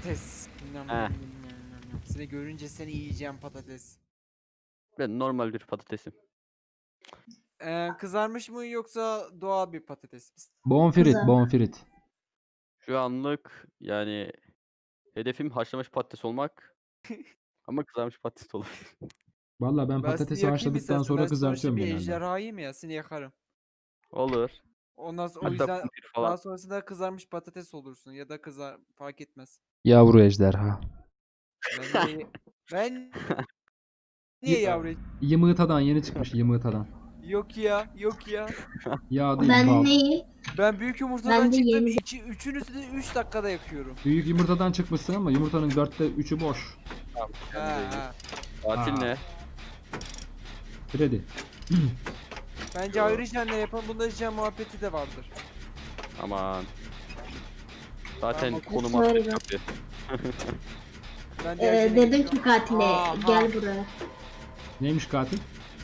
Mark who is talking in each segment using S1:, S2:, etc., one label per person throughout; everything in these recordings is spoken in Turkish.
S1: patates.
S2: He.
S1: Seni görünce seni yiyeceğim patates.
S2: Ben normal bir patatesim.
S1: Kızarmış mı yoksa doğal bir patates mi?
S3: Bonfrit,
S4: Güzel.
S3: bonfrit.
S2: Şu anlık yani hedefim haşlamış patates olmak. Ama kızarmış patates de olabilir.
S3: Vallahi ben
S1: Ben seni
S3: patatesi
S1: yakayım
S3: haşladıktan
S1: istersen.
S3: sonra
S1: Ben sonuçta
S3: kızartıyorum
S1: bir
S3: genelde.
S1: ejderhayım ya, seni yakarım.
S2: Olur.
S1: Ondan sonra, o
S2: Hatta
S1: yüzden
S2: kumpir
S1: daha
S2: falan.
S1: sonrasında kızarmış patates olursun ya da fark etmez.
S3: Yavru ejderha.
S1: Ben niye ben niye
S3: Y-
S1: yavru?
S3: Yımığıtadan yeni çıkmış yımığıtadan.
S1: Yok ya, yok ya.
S3: Yağ değil
S4: Ben
S3: bal.
S4: neyim?
S1: Ben büyük yumurtadan
S4: Ben de
S1: çıktım.
S4: yeni-
S1: Üçünüzü de 3 dakikada yakıyorum.
S3: Büyük yumurtadan çıkmışsın ama yumurtanın 3'ü boş.
S2: Tamam.
S1: Ha.
S2: Tatil
S3: Aa.
S2: ne?
S3: Freddy.
S1: Bence ayrıca ne yapalım? Bunda jam muhabbeti de vardır.
S2: Aman. Zaten
S1: Tamam,
S2: konum
S4: söyle
S2: attık
S4: be.
S2: kapı.
S1: Ben diğer jene
S4: Dedim
S1: geçiyorum.
S4: ki katile
S1: Aha.
S4: gel buraya.
S3: Neymiş katil?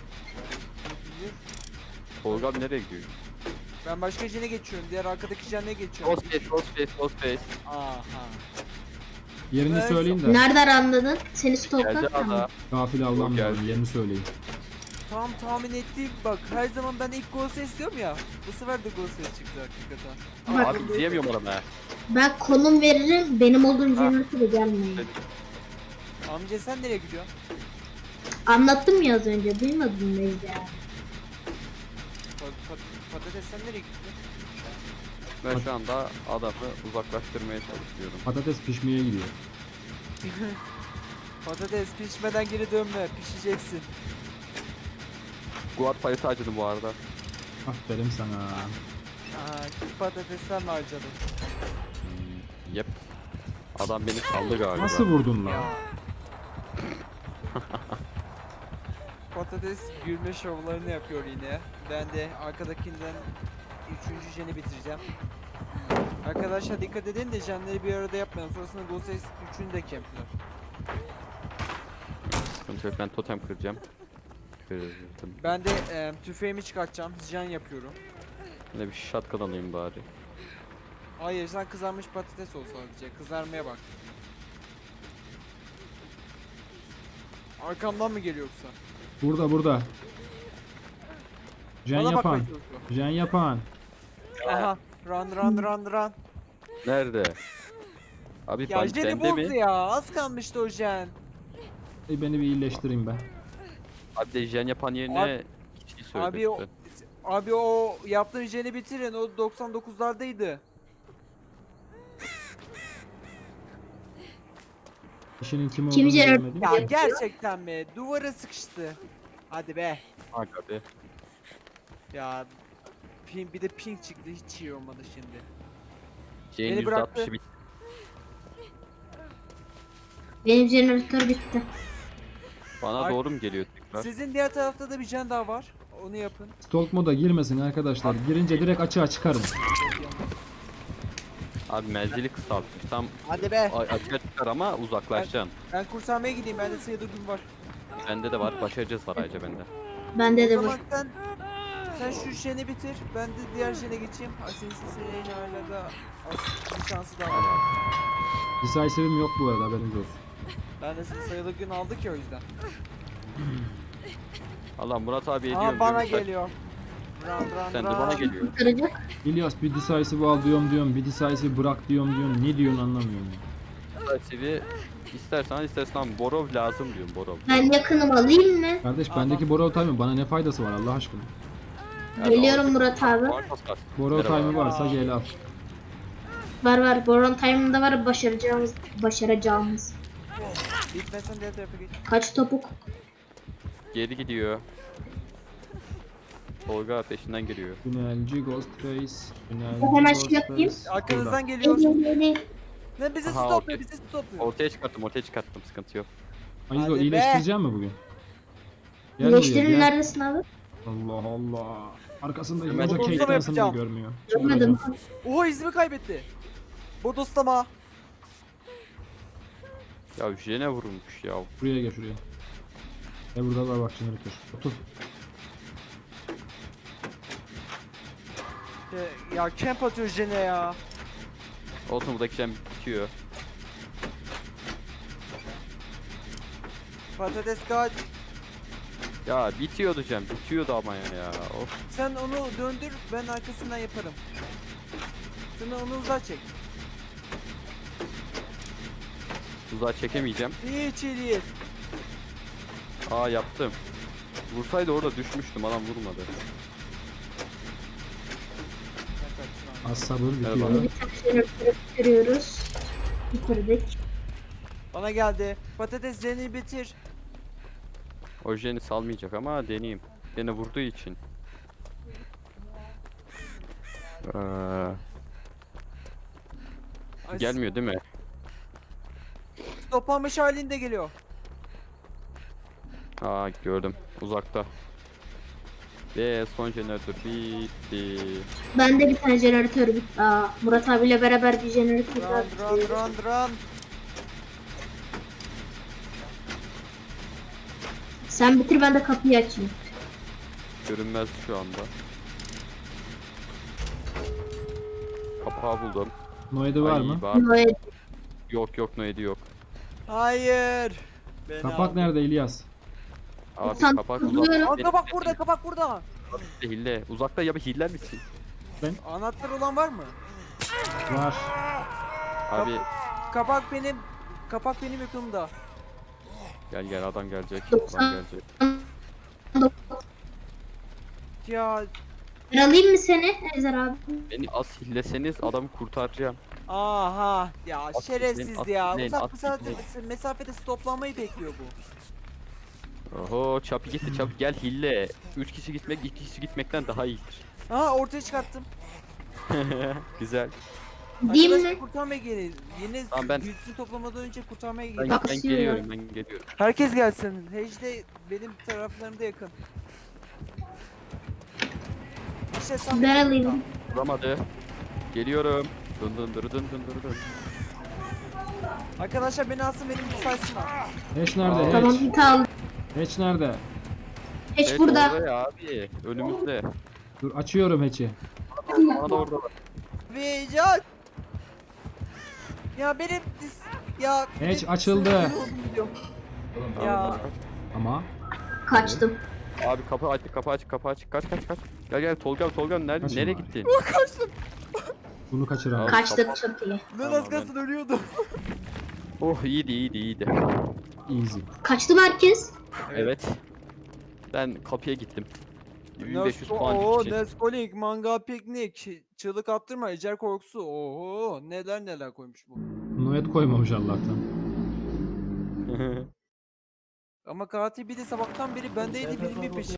S2: Tolga abi nereye gidiyor?
S1: Ben başka jene geçiyorum. Diğer arkadaki jene geçiyorum.
S2: Ghostface, Ghostface, Ghostface.
S1: Aha.
S3: Yerini
S1: Ben-
S3: söyleyin de.
S4: Nereden anladın? Seni
S2: Geldi
S4: stalkladım mı?
S2: ada.
S3: Gafil avlanmayalım.
S2: geldi.
S3: Yerini söyleyin.
S1: Tam tahmin ettiğim bak, her zaman ben ilk gol ses diyorum ya. Bu sefer de gol ses çıktı hakikaten.
S4: Bak.
S2: Abi izleyemiyorum adamı.
S4: Ben konum veririm. Benim olduğum
S2: Ha.
S4: jeneratörü gelmeyin.
S1: Amca sen nereye gidiyorsun?
S4: Anlattım ya az önce. Duymadın mı Ejder?
S1: Patates sen nereye gidiyorsun?
S2: Ben şu anda adamı uzaklaştırmaya çalışıyorum.
S3: Patates pişmeye gidiyor.
S1: Patates pişmeden geri dönme. Pişeceksin.
S2: Guard paleti acıdı bu arada.
S3: Aferin sana.
S1: Aa, patatesten mi harcadın?
S2: Yep. Adam beni saldı galiba.
S3: Nasıl vurdun lan?
S1: Patates gülme şovlarını yapıyor yine. Ben de arkadakinden 3. jeni bitireceğim. Arkadaşlar dikkat edin de jenleri bir arada yapmayalım. Sonrasında Ghost 3'ünü de kempler.
S2: Sıkıntı yok, ben totem kıracağım. Kırdım.
S1: Ben de tüfeğimi çıkartacağım. Jen yapıyorum.
S2: Ben de bir shotgun alayım bari.
S1: Hayır, sen kızarmış patates ol sadece. Kızarmaya bak. Arkamdan mı geliyor yoksa?
S3: Burada. Jen
S1: Bana bakmaya
S3: yapan.
S1: çalışıyor.
S3: Jen yapan.
S1: Aha. Run.
S2: Nerede? Abi
S1: Ya
S2: ben
S1: jeni
S2: bende
S1: bozdu
S2: mi?
S1: ya. Az kalmıştı o jen.
S3: Beni bir iyileştireyim ben.
S2: Abi de jen yapan yerine kişiyi söyle
S1: Abi o,
S2: lütfen.
S1: abi o yaptığın jeni bitirin. O 99'lardaydı.
S3: İşinin kim
S4: Kim
S3: olduğunu
S4: jeneratör-
S3: görmedim.
S1: Ya gerçekten mi? Duvara sıkıştı. Hadi be.
S2: Bak abi.
S1: Ya bir de pink çıktı. Hiç iyi olmadı şimdi.
S2: Jane
S1: Beni bıraktı.
S2: %60'ı bitti.
S4: Benim jeneratör bitti.
S2: Bana
S1: Ay-
S2: doğru mu geliyor tekrar?
S1: Sizin diğer tarafta da bir jen daha var. Onu yapın.
S3: Stalk moda girmesin arkadaşlar. Girince direkt açığa çıkarım.
S2: Abi menzili kısaltmış. Tam
S1: Hadi be.
S2: açığa çıkar ama uzaklaşacaksın.
S1: Ben kurtarmaya gideyim. Bende sayıda gün var.
S2: Bende de var. Başaracağız var ayrıca bende.
S4: Bende de
S1: O
S4: var.
S1: zaman sen şu jeni bitir. Ben de diğer jene geçeyim. Asinsi senin hala da bir şansı daha var.
S3: Decisive'im yok bu arada haberiniz olsun.
S1: Ben de sayılı gün aldık ya o yüzden.
S2: Allah Murat abi ediyorum.
S1: Aa bana
S2: diyorum.
S1: geliyor. Run.
S2: Sen de bana geliyor.
S4: Kurtaracak.
S3: İlyas bir decisive al diyorum. Bir decisive bırak diyorum. Ne diyorsun anlamıyorum ya.
S2: Sevi istersen Borov lazım diyorum Borov.
S4: Ben yakınım alayım mı?
S3: Kardeş
S1: Aha.
S3: bendeki Borrow Time'ın bana ne faydası var Allah aşkına.
S2: Yani
S4: Geliyorum
S2: o-
S4: Murat abi.
S3: Borrow
S2: Merhaba.
S3: Time'ı varsa gel al.
S4: Var. Boron Time'ında var başaracağımız.
S1: Bitmesen diğer tarafa geç.
S4: Kaç topuk?
S2: Geri gidiyor. Tolga peşinden geliyor.
S3: Tünelci Ghostface. Tünelci
S4: Hemen
S3: Ghostface.
S4: şey yapayım.
S1: Arkanızdan
S3: Burada.
S1: geliyor. Ne bizi
S2: Aha,
S1: stopluyor,
S2: okey.
S1: bizi stopluyor.
S2: Ortaya çıkarttım sıkıntı yok.
S3: Amigo
S1: Hadi be.
S3: iyileştireceğim mi bugün? Gel buraya
S4: Birleştirin
S3: gel.
S4: neredesin abi?
S3: Allah Allah. Arkasında
S2: Hemen
S3: hoca
S1: bodoslama
S3: Kate Anson'ı
S1: yapacağım.
S3: görmüyor.
S4: Görmedim.
S1: Oha izimi kaybetti. Bodoslama.
S2: Ya Jene vurulmuş ya.
S3: Buraya gel şuraya. Burada var bak jeneratör. Otur.
S1: Ya camp atıyor jene ya.
S2: Olsun buradaki Jen bitiyor.
S1: Patates kaç.
S2: Ya bitiyordu Cem. Bitiyordu ama ya. Of.
S1: Sen onu döndür, ben arkasından yaparım. Sen onu uzağa çek.
S2: Uzağa çekemeyeceğim.
S1: Hiç iyi değil.
S2: Aa yaptım. Vursaydı orada düşmüştüm. Adam vurmadı.
S3: Az sabır
S2: Merhaba.
S3: bitiyor.
S4: Bir tane jeneratörü bitiriyoruz. Bitirdik.
S1: Bana geldi. Patateslerini bitir.
S2: Orijeni salmayacak ama deneyeyim. Beni vurduğu için.
S1: Ay,
S2: Gelmiyor değil mi?
S1: Toplanmış halinde geliyor.
S2: Aa gördüm. Uzakta. Ve son jeneratör bitti.
S4: Bende bir tane jeneratör bitti. Aa, Murat abiyle beraber bir jeneratör daha
S1: Run run
S4: bitiriyoruz.
S1: run run.
S4: Sen bitir, ben de kapıyı açayım.
S2: Görünmez şu anda. Kapağı buldum.
S3: Noedi var
S2: Ay,
S3: mı?
S2: var.
S4: Noel,
S2: Yok yok Noedi yok.
S1: Hayır. Beni
S3: Kapak
S1: aldı.
S3: nerede İlyas?
S2: Abi
S4: Sen
S2: kapak
S4: kızıyorum.
S2: uzakta.
S1: Aa, kapak burada, kapak burada.
S2: Hille. Uzakta ya bir hiller misin?
S1: Anahtar olan var mı?
S3: Var.
S2: Abi
S1: Kapak benim yakınımda.
S2: gel gel adam gelecek.
S4: Doksan-
S2: Adam gelecek.
S1: Ya
S4: Ben alayım mı seni Ezer abi?
S2: Beni az hilleseniz adamı kurtaracağım.
S1: aha ya
S2: At
S1: şerefsiz
S2: gitmeyin, at
S1: ya.
S2: gitmeyin,
S1: Uzak
S2: at
S1: mesafede stoplanmayı bekliyor bu.
S2: Oho çapı gitti çapı gel hille. 3 kişi gitmek 2 kişi gitmekten daha iyidir.
S1: Aha ortaya çıkarttım.
S2: Güzel.
S4: Diyeyim
S1: Arkadaşlar
S4: mi?
S1: kurtarmaya gelin. Yine
S2: Tamam, ben-
S1: güçlü toplamadan önce kurtarmaya
S2: Ben,
S1: gelin.
S2: ben
S4: Kasıyor
S2: geliyorum
S4: ya.
S2: ben geliyorum.
S1: Herkes gelsin. Hece de benim taraflarımda yakın. İşte sen
S4: Ben alayım.
S2: Vuramadı. Geliyorum. Dın dın dırı dın dın dırı dın.
S1: Arkadaşlar beni alsın, benim bir saysınlar.
S3: Hatch nerede?
S4: Tamam,
S3: Hatch.
S4: bir al.
S3: Hatch nerede?
S4: Hiç
S2: Evet,
S4: burada.
S2: orada ya abi. Önümüzde.
S3: Dur açıyorum Hatch'i.
S2: Bana da orada var.
S1: Ve can. Ya benim ya
S3: Hatch
S1: benim
S3: açıldı.
S1: sinirlerim gidiyor. Ya
S3: Ama
S4: Kaçtım.
S2: Abi kapı açık kapı açık kapı açık. Kaç kaç kaç. Gel gel Tolga Tolga nerede
S3: Kaçın
S2: nereye
S3: bari.
S2: gittin?
S3: bunu kaçıramam.
S2: Abi,
S4: Kaçtım,
S2: kapat.
S4: çok iyi.
S1: ben
S2: Tamam,
S1: az kalsın ölüyordum.
S2: Oh iyiydi iyiydi iyiydi.
S3: Easy.
S4: Kaçtı mı herkes?
S2: Evet. Ben kapıya gittim. 1500 puan
S1: Oo,
S2: düşecek.
S1: Nescoling, manga piknik, çığlık attırma, ecel korkusu. Oho, neler neler koymuş bu.
S3: Noed koymamış Allah'tan.
S1: Ama katil bir de sabahtan beri bendeydi, benim bir peşim.